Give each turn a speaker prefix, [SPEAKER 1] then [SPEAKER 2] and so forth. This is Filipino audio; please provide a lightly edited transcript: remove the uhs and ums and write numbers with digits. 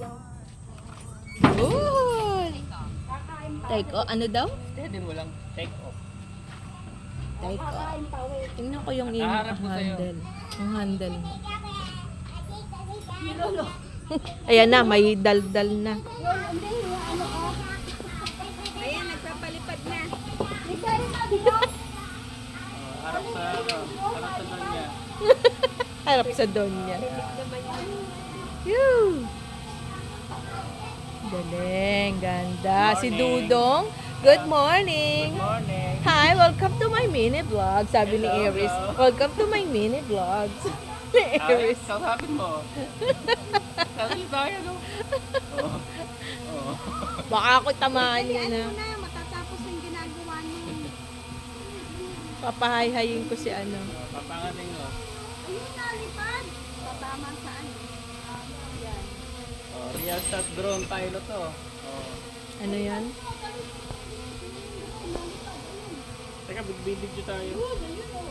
[SPEAKER 1] Good. Take off. Ano daw?
[SPEAKER 2] Steady mo lang. Take off.
[SPEAKER 1] Take off. Tingnan ko yung
[SPEAKER 2] Naharap ko sa'yo.
[SPEAKER 1] handle. Yung handle mo. Ayan na, may daldal na.
[SPEAKER 3] Ayan, nagpapalipad na.
[SPEAKER 2] Harap sa doon niya.
[SPEAKER 1] Harap sa donya. Yoo! Galing, ganda. Si Dudong, good morning.
[SPEAKER 2] Good morning.
[SPEAKER 1] Hi, welcome to my mini vlog. Sabi ni
[SPEAKER 2] Hello,
[SPEAKER 1] Iris,
[SPEAKER 2] hello.
[SPEAKER 1] welcome to my mini vlogs. Ni
[SPEAKER 2] Ay,
[SPEAKER 1] Iris.
[SPEAKER 2] kausapin mo. Sabi tayo, no? Oo. Oo.
[SPEAKER 1] Baka ako tamaan niya na.
[SPEAKER 3] Ano na, matatapos ang ginagawa niyo.
[SPEAKER 1] Papahayhayin ko si ano.
[SPEAKER 2] Papangating mo.
[SPEAKER 3] Ayun, nalipad. Tatama saan? Yan.
[SPEAKER 2] Oh, real shot drone pilot to. Oh.
[SPEAKER 1] Ano yan?
[SPEAKER 2] Teka, big tayo.